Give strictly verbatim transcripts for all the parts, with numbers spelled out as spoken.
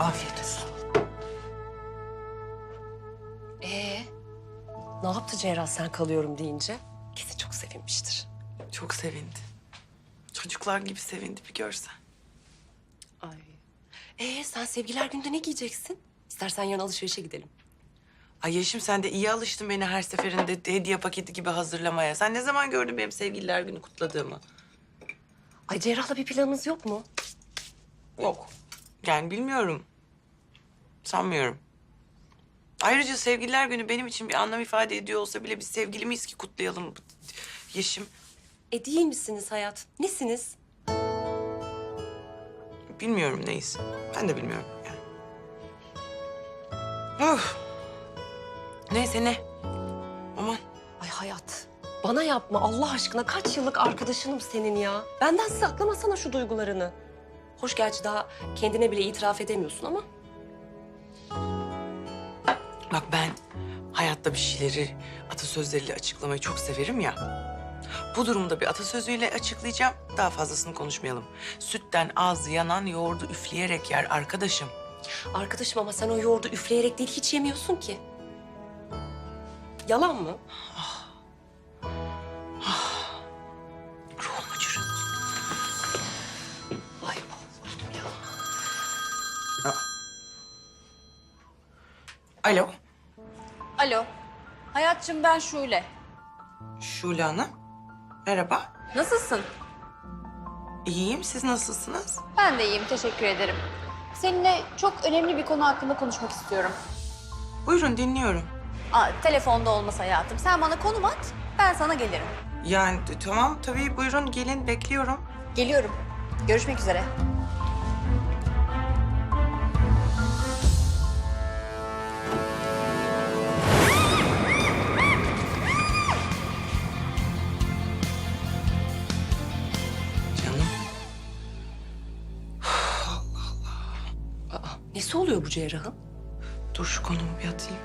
Afiyet olsun. Ee, ne yaptı Cerrah sen kalıyorum deyince? Kesin çok sevinmiştir. Çok sevindi. Çocuklar gibi sevindi bir görsen. Ay. Ee, sen sevgiler günde ne giyeceksin? İstersen yarın alışverişe gidelim. Ay Yeşim sen de iyi alıştın beni her seferinde hediye paketi gibi hazırlamaya. Sen ne zaman gördün benim sevgililer günü kutladığımı? Ay Cerrah'la bir planınız yok mu? Yok. Yani bilmiyorum. Sanmıyorum. Ayrıca sevgililer günü benim için bir anlam ifade ediyor olsa bile biz sevgili miyiz ki kutlayalım Yeşim? E değil misiniz hayat? Nesiniz? Bilmiyorum neyiz. Ben de bilmiyorum yani. Of. Neyse ne. Aman. Ay hayat. Bana yapma Allah aşkına. Kaç yıllık arkadaşınım senin ya. Benden saklamasana şu duygularını. Hoş gerçi daha kendine bile itiraf edemiyorsun ama. Bak ben hayatta bir şeyleri atasözleriyle açıklamayı çok severim ya. Bu durumda bir atasözüyle açıklayacağım. Daha fazlasını konuşmayalım. Sütten ağzı yanan yoğurdu üfleyerek yer arkadaşım. Arkadaşım ama sen o yoğurdu üfleyerek değil hiç yemiyorsun ki. Yalan mı? Ruhumu çürüttü. Ay Allah'ım ya. Alo, Alo. Hayatçım ben Şule. Şule Hanım. Merhaba. Nasılsın? İyiyim, siz nasılsınız? Ben de iyiyim, teşekkür ederim. Seninle çok önemli bir konu hakkında konuşmak istiyorum. Buyurun dinliyorum. Aa, telefonda olmasa hayatım. Sen bana konum at, ben sana gelirim. Yani t- tamam tabii buyurun gelin bekliyorum. Geliyorum. Görüşmek üzere. Canım. Aa, nesi oluyor bu Cerrah'ın? Dur şu konumu bir atayım.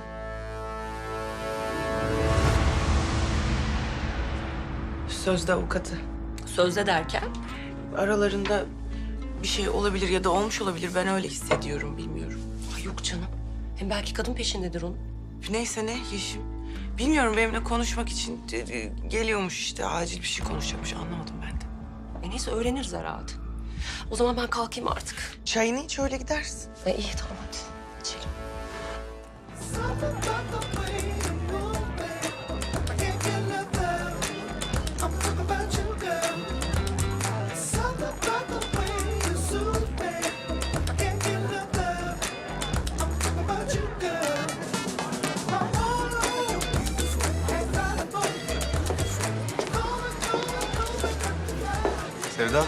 Sözde avukatı. Sözde derken? Aralarında bir şey olabilir ya da olmuş olabilir. Ben öyle hissediyorum, bilmiyorum. Ay yok canım. Hem belki kadın peşindedir onun. Neyse ne Yeşim. Bilmiyorum benimle konuşmak için e, e, geliyormuş işte. Acil bir şey konuşacakmış anlamadım ben de. E neyse öğreniriz herhalde. O zaman ben kalkayım artık. Çayını iç öyle gidersin. E iyi tamam hadi. İçelim. Sevda.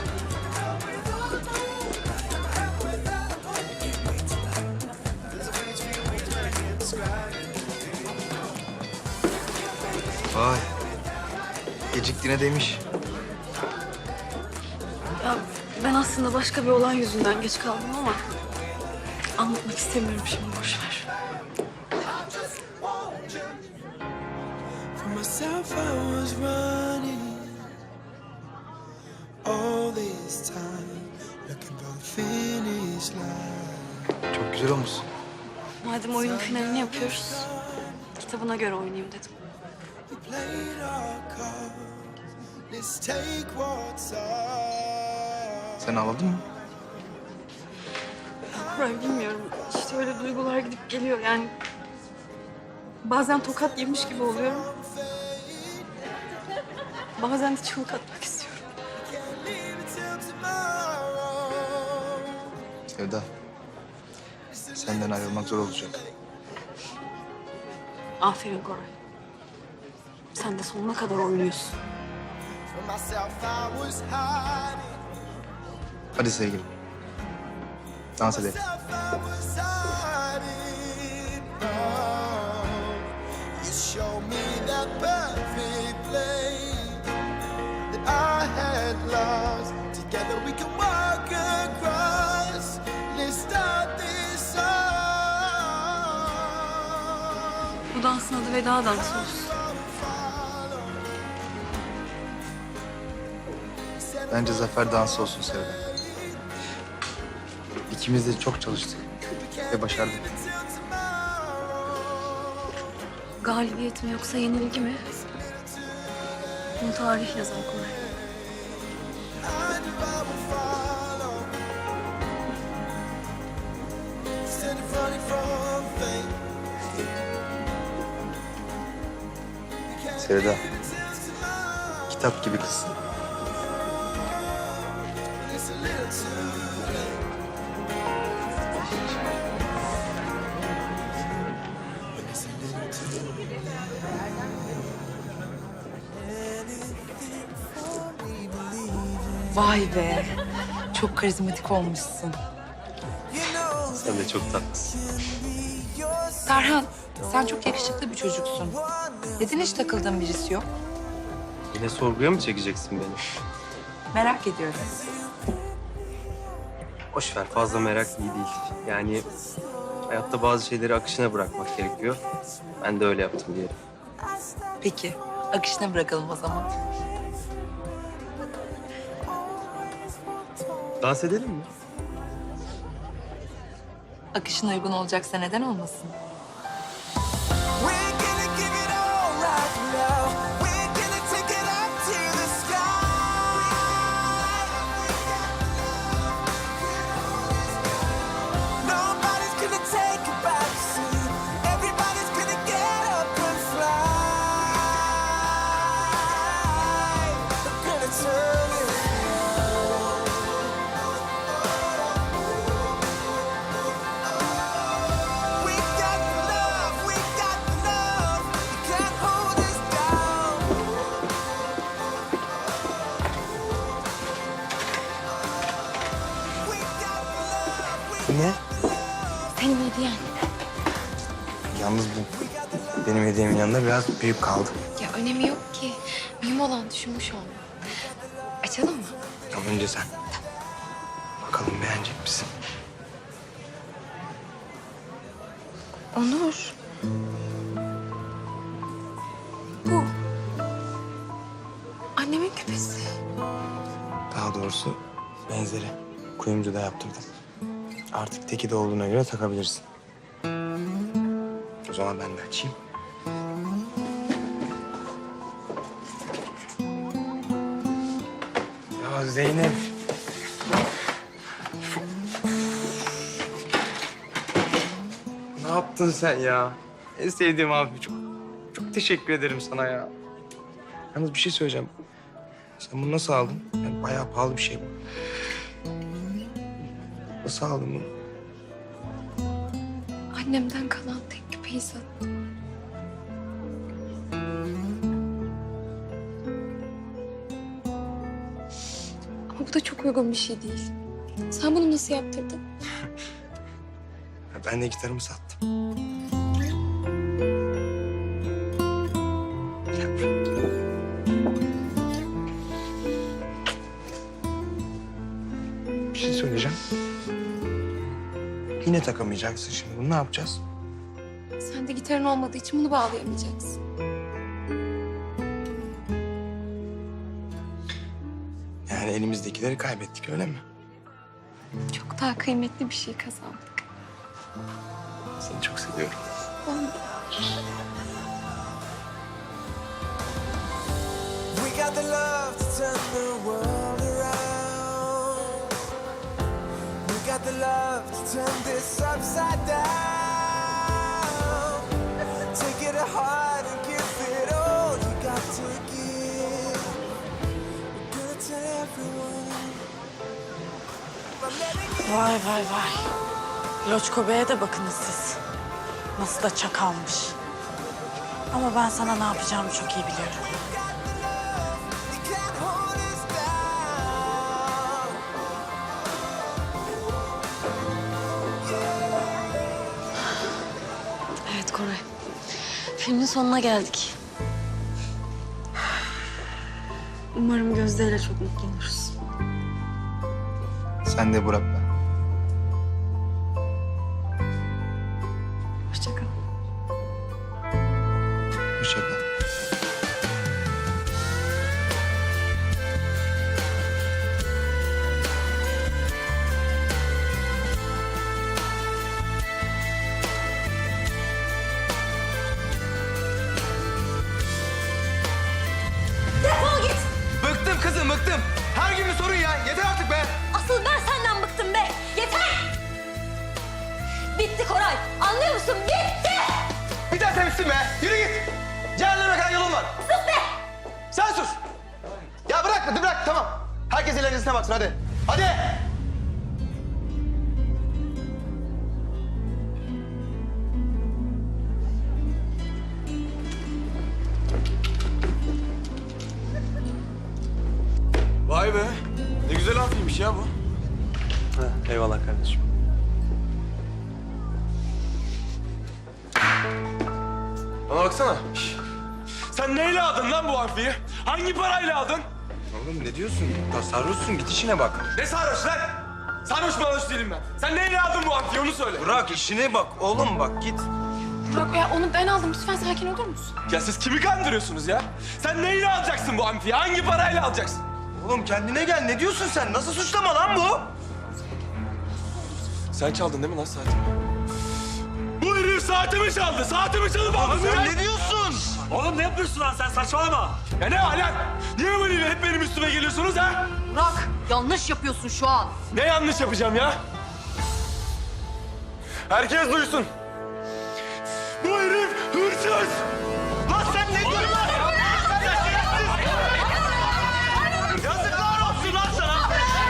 Vay. Geciktiğine değmiş. Ya ben aslında başka bir olay yüzünden geç kaldım ama anlatmak istemiyorum şimdi, boş ver. For myself, I was running all this time, looking for the finish line. Çok güzel olmuşsun. Madem oyunun finalini yapıyoruz, kitabına göre oynayayım dedim. We played our cards. Let's take what's ours. Sen ağladın mı? Koray bilmiyorum, işte öyle duygular gidip geliyor yani. Bazen tokat yemiş gibi oluyorum. Bazen de çığlık atmak istiyorum. Can't leave it till tomorrow. Sevda. Senden ayrılmak zor olacak. Aferin Koray. Sen de sonuna kadar oynuyorsun. For myself, I was hiding. Hadi sevgilim. Dans edelim. Myself, I was hiding. Oh, you show me that perfect place that I had lost. Together we can walk across. Let's start this song. Bu dansın adı veda dansı olsun. Bence zafer dansı olsun Sevda. İkimiz de çok çalıştık. ve başardım. Galibiyet mi yoksa yenilgi mi? Bunu tarih yazar Koray. Instead of running from fate. Sevda, kitap gibi kızsın. Vay be. Çok karizmatik olmuşsun. Sen de çok tatlısın. Tarhan, sen çok yakışıklı bir çocuksun. Neden hiç takıldığın birisi yok? Yine sorguya mı çekeceksin beni? Merak ediyorum. Boş ver, fazla merak iyi değil. Yani hayatta bazı şeyleri akışına bırakmak gerekiyor. Ben de öyle yaptım diyelim. Peki, akışına bırakalım o zaman. Dans edelim mi? Akışına uygun olacaksa neden olmasın? We're gonna give it all right now. We're gonna take it up to the sky. Nobody's gonna take a back seat. Everybody's gonna get up and fly. We're gonna turn it. We got the love, we got the love. You can't hold us down. We got the love, we Ne? Senin hediyen. Yalnız bu benim hediyemin yanında biraz büyük kaldı. Ya önemi yok ki. Mühim olan düşünmüş olman. Açalım mı? Ama önce sen. Bakalım beğenecek misin? Onur. Bu. Annemin küpesi. Daha doğrusu benzeri. Kuyumcuda yaptırdım. Artık teki de olduğuna göre takabilirsin. O zaman ben de açayım. Ya Zeynep. Ne yaptın sen ya? En sevdiğim abi. Çok, çok teşekkür ederim sana ya. Yalnız bir şey söyleyeceğim. Sen bunu nasıl aldın? Yani bayağı pahalı bir şey bu. Nasıl aldın bunu? Annemden kalan tek küpeyi sattım. Ama bu da çok uygun bir şey değil. Sen bunu nasıl yaptırdın? Ya ben de gitarımı sattım. Gel buraya. Bir şey söyleyeceğim. Yine takamayacaksın şimdi. Bunu ne yapacağız? Sen de gitarın olmadığı için bunu bağlayamayacaksın. Yani elimizdekileri kaybettik öyle mi? Çok daha kıymetli bir şey kazandık. Seni çok seviyorum. Ben de. We got the love to turn the world around. We got the love to turn this upside down. Take it to heart and give it all you got to give. We're gonna tell everyone. But let it get Vay vay vay. Loçko Bey'e de bakınız siz. Nasıl da çakalmış. Ama ben sana ne yapacağımı çok iyi biliyorum. you can't hold us down. Evet Koray. Filmin sonuna geldik. Umarım Gözde ile çok mutlu oluruz. Sen de Burak'la. Hoşça kal. Hoşça kal. be! Yürü git! Cehenneme kadar yolun var. Sus be! Sen sus! Ya bırak, hadi bırak, tamam. Herkes ilerisine baksın, hadi. Hadi! Vay be. Ne güzel hafiymiş ya bu. Ha, eyvallah kardeşim. Bana baksana. Şş. Sen neyle aldın lan bu harfiyi? Hangi parayla aldın? Oğlum ne diyorsun? Ya sarhoşsun, git işine bak. Ne sarhoş lan? Sarhoş sarhoş değilim ben. Sen neyle aldın bu harfiyi onu söyle. Bırak işine bak oğlum, bak git. Burak ya onu ben aldım. Lütfen sakin olur musun? Ya siz kimi kandırıyorsunuz ya? Sen neyle alacaksın bu amfiyi? Hangi parayla alacaksın? Oğlum kendine gel, ne diyorsun sen? Nasıl suçlama lan bu? Sen çaldın değil mi lan saatimi? Bu herif saatimi çaldı. Saatimi çalıp aldı. Sen ne diyorsun? Oğlum ne yapıyorsun lan sen? Saçmalama. Ya ne alem? Niye böyle hep benim üstüme geliyorsunuz ha? Burak yanlış yapıyorsun şu an. Ne yanlış yapacağım ya? Herkes duysun. Bu herif hırsız. Lan sen ne diyorsun lan? Yazıklar olsun lan sana.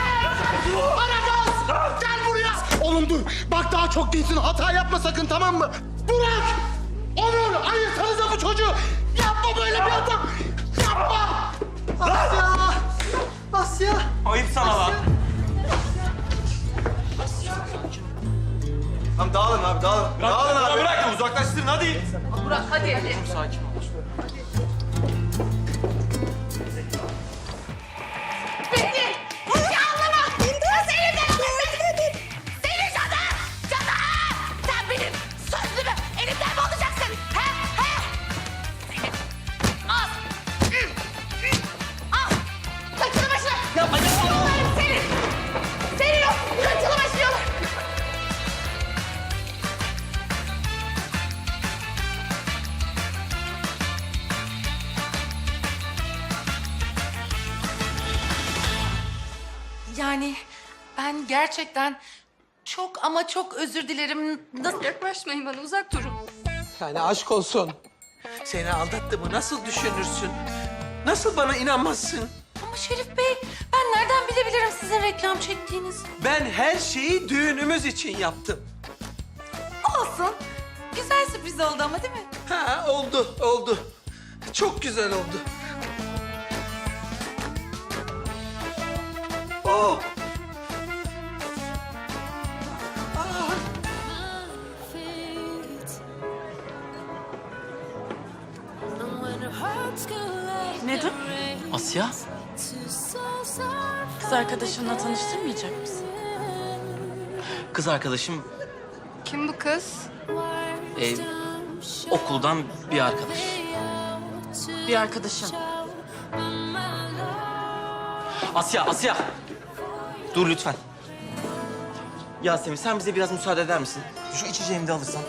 Aragaz! Gel buraya! Oğlum dur, bak daha çok değilsin. Hata yapma sakın, tamam mı? Burak! Onur, ayırsanıza bu çocuğu! Yapma böyle bir adam! Yapma! Asya! Asya! Ayıp sana lan. Tamam dağılın abi, dağılın. Dağılın abi. Bırak ya uzaklaştırın hadi. Burak hadi hadi. Yani ben gerçekten çok ama çok özür dilerim. Nasıl? Yaklaşmayın bana, uzak durun. Yani aşk olsun. Seni aldattığımı nasıl düşünürsün? Nasıl bana inanmazsın? Ama Şerif Bey, ben nereden bilebilirim sizin reklam çektiğinizi? Ben her şeyi düğünümüz için yaptım. Olsun. Güzel sürpriz oldu ama değil mi? Ha oldu, oldu. Çok güzel oldu. Oh! Nedim, Asya? kız arkadaşınla tanıştırmayacak mısın? Kız arkadaşım Kim bu kız? e, okuldan bir arkadaş. Bir arkadaşın. Asya, Asya! Dur lütfen. Yasemin sen bize biraz müsaade eder misin? Şu içeceğimi de alırsan.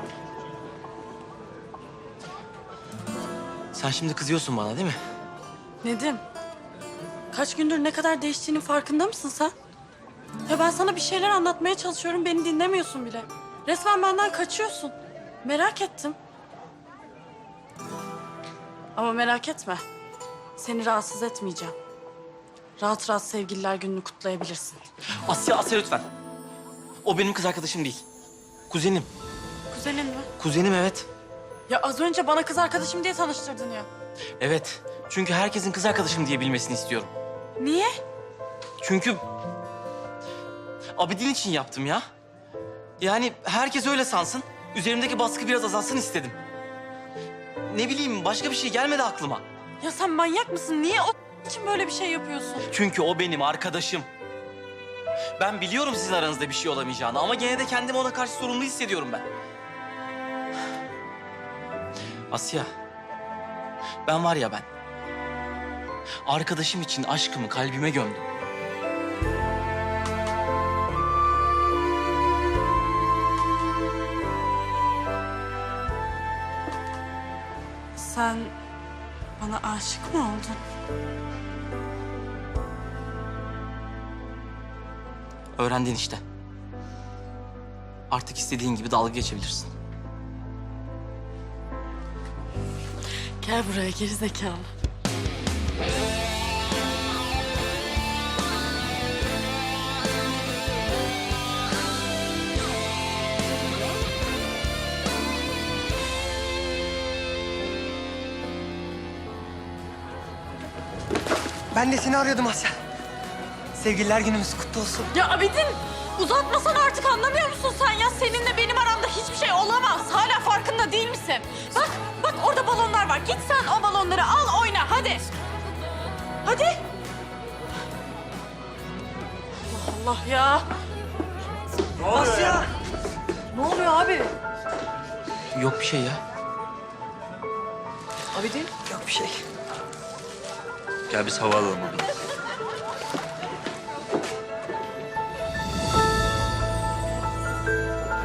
Sen şimdi kızıyorsun bana değil mi? Nedim, kaç gündür ne kadar değiştiğinin farkında mısın sen? Ya ben sana bir şeyler anlatmaya çalışıyorum, beni dinlemiyorsun bile. Resmen benden kaçıyorsun. Merak ettim. Ama merak etme. Seni rahatsız etmeyeceğim. Rahat rahat sevgililer gününü kutlayabilirsin. Asya, Asya lütfen. O benim kız arkadaşım değil. Kuzenim. Kuzenin mi? Kuzenim evet. Ya az önce bana kız arkadaşım diye tanıştırdın ya. Evet. Çünkü herkesin kız arkadaşım diye bilmesini istiyorum. Niye? Çünkü Abidin için yaptım ya. Yani herkes öyle sansın. Üzerimdeki baskı biraz azalsın istedim. Ne bileyim başka bir şey gelmedi aklıma. Ya sen manyak mısın? Niye o için böyle bir şey yapıyorsun? Çünkü o benim arkadaşım. Ben biliyorum sizin aranızda bir şey olamayacağını ama gene de kendimi ona karşı sorumlu hissediyorum ben. Asya, ben var ya ben. Arkadaşım için aşkımı kalbime gömdüm. Sen bana aşık mı oldun? Öğrendin işte. Artık istediğin gibi dalga geçebilirsin. Gel buraya geri zekalı. Ben de seni arıyordum Asya. Sevgililer günümüz kutlu olsun. Ya Abidin uzatmasan artık anlamıyor musun sen ya? Seninle benim aramda hiçbir şey olamaz. Hala farkında değil misin? Bak bak orada balonlar var. Git sen o balonları al oyna hadi. Hadi. Allah Allah ya. Asya! Ne oluyor abi? Yok bir şey ya. Abidin. Yok bir şey. Gel biz hava alalım oradan.